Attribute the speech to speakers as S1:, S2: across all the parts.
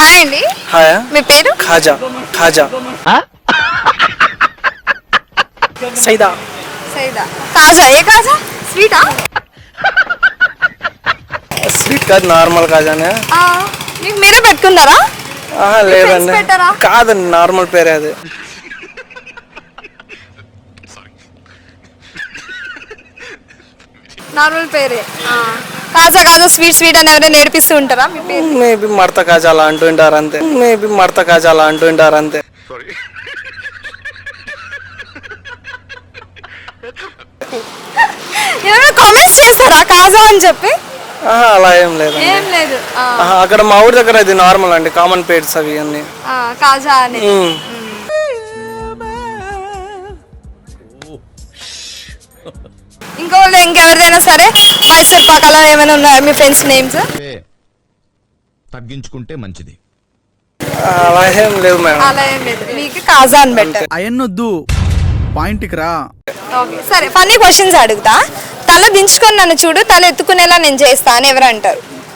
S1: Hi అండి.
S2: Hi.
S1: మీ పేరు?
S2: ఖాజా. ఖాజా. సైదా.
S1: సైదా. కాజా. ఏ కాజా? స్వీటా?
S2: స్వీట్ కాదు, నార్మల్ కాజానే.
S1: మీకు మీరే పెట్టుకున్నారా?
S2: లేదండి, కాదండి, నార్మల్ పేరే అది.
S1: నార్మల్ పేరే. కాజా కాజా స్వీట్ స్వీట్ అని ఎవరైనా నేర్పిస్తూ ఉంటారా? మీ పేరు?
S2: మేబీ మడత కాజా అలా అంటుంటారు అంతే. మేబీ మడత కాజా అలా అంటుంటారు అంతే.
S1: ఎవరైనా కామెంట్స్ చేస్తారా కాజా అని చెప్పి?
S2: అలా ఏం లేదు.
S1: ఏం లేదు.
S2: అక్కడ మా ఊరి దగ్గర ఇది నార్మల్ అండి, కామన్ పేర్స్ అవి అన్ని.
S1: కాజా అని. ఇంకెవరిదైనా సరే మైసూర్ పాక్ అలా ఏమైనా ఉన్నాయా మీ ఫ్రెండ్స్ నేమ్స్?
S3: తగ్గించుకుంటే మంచిది.
S2: అలా ఏం లేదు మేడం.
S1: అలా ఏం లేదు, మీకు కాజా అని బెటర్.
S4: అయన్నొద్దు, పాయింట్కి రా.
S1: ఓకే సరే, ఫన్నీ క్వశ్చన్స్ అడుగుతా. తల దించుకొని నన్ను చూడు, తల ఎత్తుకునేలా నేను చేస్తా అని ఎవరు అంటారు?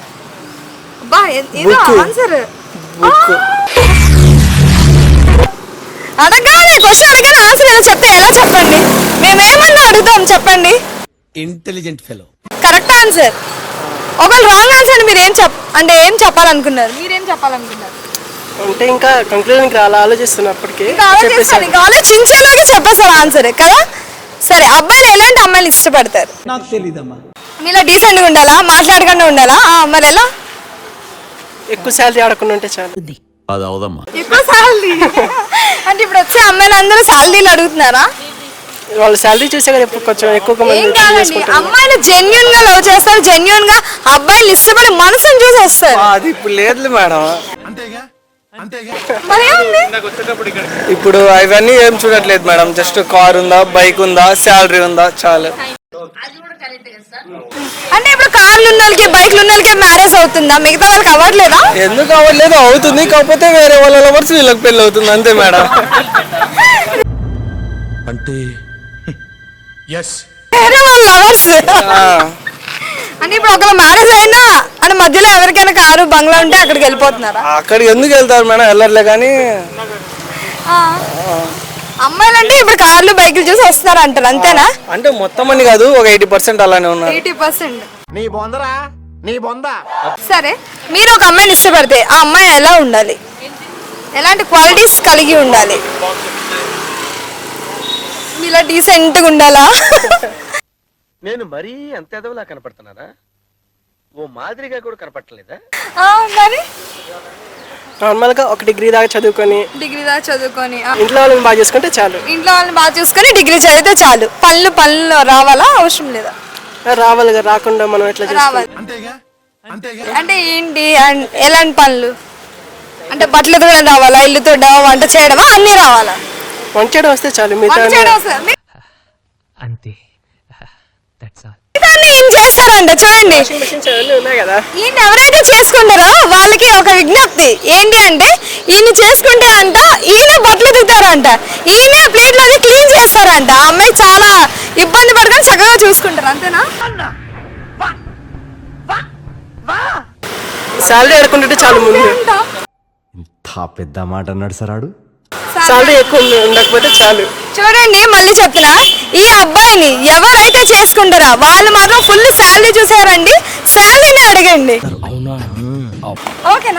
S1: అడగానే క్వశ్చన్ అడగానే ఆన్సర్ ఏదో చెప్తే ఎలా చెప్పండి? మేమేమన్నా అడుగుతాం చెప్పండి.
S3: Intelligent fellow.
S1: Correct answer. ఒకవేళ రాంగ్ ఆన్సర్ మీరు ఏం చెప్పాలనుకున్నారు? మీరేం చెప్పాలనుకున్నారు?
S2: అంటే ఇంకా కంక్లూజన్ అలా ఆలోచిస్తున్నప్పటికీ
S1: ఆలోచించేలాగా చెప్పేస్తారు ఆన్సర్ కదా. సరే, అబ్బాయిలు ఎలాంటి అమ్మాయిలు ఇష్టపడతారు?
S4: నాకు తెలీదమ్మా.
S1: మీలా డీసెంట్ గా ఉండాలా, మాట్లాడకుండా ఉండాలా? మరి ఎలా?
S2: ఎక్కువ శాలరీ ఆడకుండా ఉంటే చాలు.
S3: అది అవదమ్మా.
S1: ఎక్కువ శాలరీ అంటే ఇప్పుడు వచ్చే అమ్మాయిలు అందరూ శాలరీలు అడుగుతున్నారా?
S2: వాళ్ళు శాలరీ చూసే కదా కొంచెం ఎక్కువ
S1: ఏం కాదండి, అమ్మాయిలు జెన్యున్ గా లవ్ చేస్తారు, జెన్యున్ గా అబ్బాయిలు ఇష్టపడి మనసుని చూసి వస్తారు.
S2: అది ఇప్పుడు లేదు మేడం. ఇప్పుడు అవన్నీ ఏం చూడట్లేదు మేడం. జస్ట్ కార్ ఉందా, బైక్ ఉందా, శాలరీ ఉందా, చాలు.
S1: అంటే ఇప్పుడు కార్లు ఉన్న వాళ్ళకి, బైక్లు ఉన్న వాళ్ళకి మ్యారేజ్ అవుతుందా? మిగతా వాళ్ళకి అవ్వట్లేదా?
S2: ఎందుకు అవ్వట్లేదు? అవుతుంది, కాకపోతే వేరే వాళ్ళ లవర్స్ వీళ్ళకి పెళ్లి అవుతుంది అంతే మేడం.
S3: అంటే
S1: వేరే వాళ్ళ లవర్స్ అంటే ఇప్పుడు ఒకవేళ మ్యారేజ్ అయినా అంటే మధ్యలో ఎవరికైనా కారు బంగ్లా ఉంటే అక్కడికి వెళ్ళిపోతున్నారా?
S2: అక్కడికి ఎందుకు వెళ్తారు మేడం? వెళ్ళట్లే. కానీ
S1: అమ్మాయిలు అంటే ఇప్పుడు కార్లు బైకులు చూసి వస్తున్నారు అంటారు, అంతేనా?
S2: అంటే మొత్తం అని కాదు, ఒక 80% అలానే ఉన్నారు.
S1: 80%.
S3: నీ బొందరా, నీ బొంద.
S1: సరే, మీరు ఒక అమ్మాయిని ఇష్టపడితే ఆ అమ్మాయి ఎలా ఉండాలి? ఎలాంటి క్వాలిటీస్ కలిగి ఉండాలి? మీలా డీసెంట్గా ఉండాలా?
S5: నేను మరీ అంత ఎదవలా కనపడుతున్నారా? ఓ మాదిరిగా కూడా కనపడలేదా?
S1: మరి
S2: నార్మల్ గా ఒక డిగ్రీ దాకా చదువుకొని ఇంట్లో వాళ్ళని బాగా చూసుకుంటే చాలు.
S1: ఇంట్లో వాళ్ళని బాగా చూసుకొని డిగ్రీ చదివితే చాలు. పనులు రావాలా? అవసరం లేదా?
S2: రావాలి. రాకుండా మనం ఎట్లా
S1: రావాలి. అంటే ఏంటి? ఎలాంటి పనులు? అంటే బట్టలు తోడడం రావాలా, ఇల్లు తోడడం, వంట చేయడమా, అన్ని రావాలా?
S2: వంట చేయడం వస్తే చాలు.
S6: అంతే.
S1: ఏం చేస్తారంట చూడండి. ఈయన ఎవరైతే చేసుకుంటారో వాళ్ళకి ఒక విజ్ఞప్తి ఏంటి అంటే, ఈయన చేసుకుంటే అంట ఈయన బట్టలు దిగుతారంట, ఈయన ప్లేట్లు అది క్లీన్ చేస్తారంట. ఆ అమ్మాయి చాలా ఇబ్బంది పడుకొని చక్కగా చూసుకుంటారు, అంతేనా?
S2: శాలరీ అనుకుంటుంటే చాలు. ముందు
S3: ఇంత పెద్ద మాట అన్నాడు సరాడు.
S2: శాలరీ ఎక్కువ ఉండకపోతే చాలు.
S1: చూడండి, మళ్ళీ చెప్తున్నా, ఈ అబ్బాయిని ఎవరైతే చేసుకుంటారో వాళ్ళు మాత్రం ఫుల్ శాలరీ చూసారండి, శాలరీని అడగండి. ఓకేనా?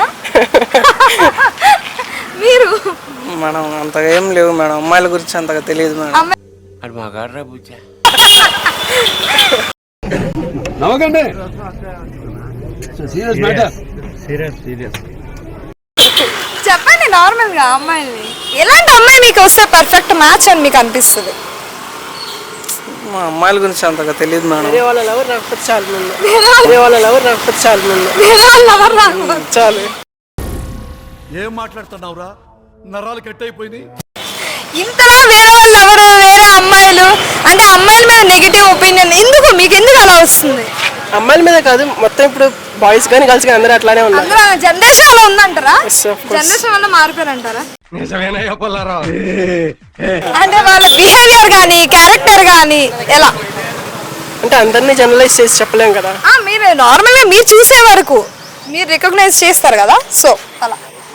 S1: మీరు
S2: మనం అంతగా ఏం లేవు మేడం, అమ్మాయిల గురించి అంతగా తెలియదు మేడం.
S1: చెప్పండి నార్మల్ గా అమ్మాయిని, ఎలాంటి అమ్మాయి మీకు వస్తే పర్ఫెక్ట్ మ్యాచ్ అని మీకు అనిపిస్తుంది?
S2: మా అమ్మాయిల గురించి అంతగా తెలియదు మేడం. చాలు.
S4: ఏం మాట్లాడుతున్నావురా? నరాలు కట్ అయిపోయింది.
S1: ఇంతలా వేరే అమ్మాయిలు అంటే అమ్మాయిల మీద నెగిటివ్ ఒపీనియన్ ఎందుకు? మీకు ఎందుకు అలా వస్తుంది?
S2: అమ్మాయిల మీద కాదు, మొత్తం ఇప్పుడు బాయ్స్ కానీ గర్ల్స్ కానీ అందరూ అట్లానే ఉన్నారు.
S1: జనరేషన్ అలా ఉందంటారా? జనరేషన్ వల్ల మారిపోయారంటారా? అంటే వాళ్ళ బిహేవియర్ గానీ, క్యారెక్టర్ గానీ ఎలా?
S2: అంటే అందరినీ జనరలైజ్ చేసి చెప్పలేం కదా.
S1: మీరు నార్మల్ గా మీరు చూసే వరకు మీరు రికగ్నైజ్ చేస్తారు కదా, సో అలా.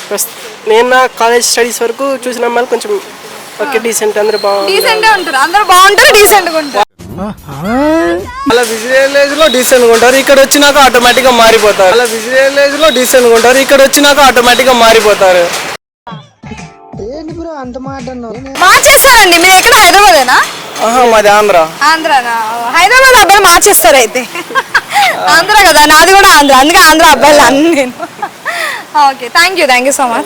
S6: నేను నా కాలేజ్ స్టడీస్ వరకు చూసిన అమ్మాయిలు కొంచెం ఓకే డీసెంట్, అందరూ బాగుంది.
S1: డీసెంట్ గా ఉంటారు, అందరూ బాగుంటారు, డీసెంట్ గా ఉంటారు.
S2: అలా విజువల్ లో డీసెంట్ గా ఉంటారు, ఇక్కడ వచ్చినాక ఆటోమేటిక్ గా మారిపోతారు. అలా విజువల్ లో డీసెంట్ గా ఉంటారు, ఇక్కడ వచ్చినాక ఆటోమేటిక్ గా మారిపోతారు.
S1: మార్చేస్తారండి. మీరు ఎక్కడ హైదరాబాదేనా?
S2: మాది ఆంధ్ర.
S1: ఆంధ్రానా? హైదరాబాద్ అబ్బాయిలు మార్చేస్తారు అయితే. ఆంధ్ర కదా, నాది కూడా ఆంధ్ర, అందుకే ఆంధ్ర అబ్బాయిలు అన్ని నేను. Okay, thank you so much.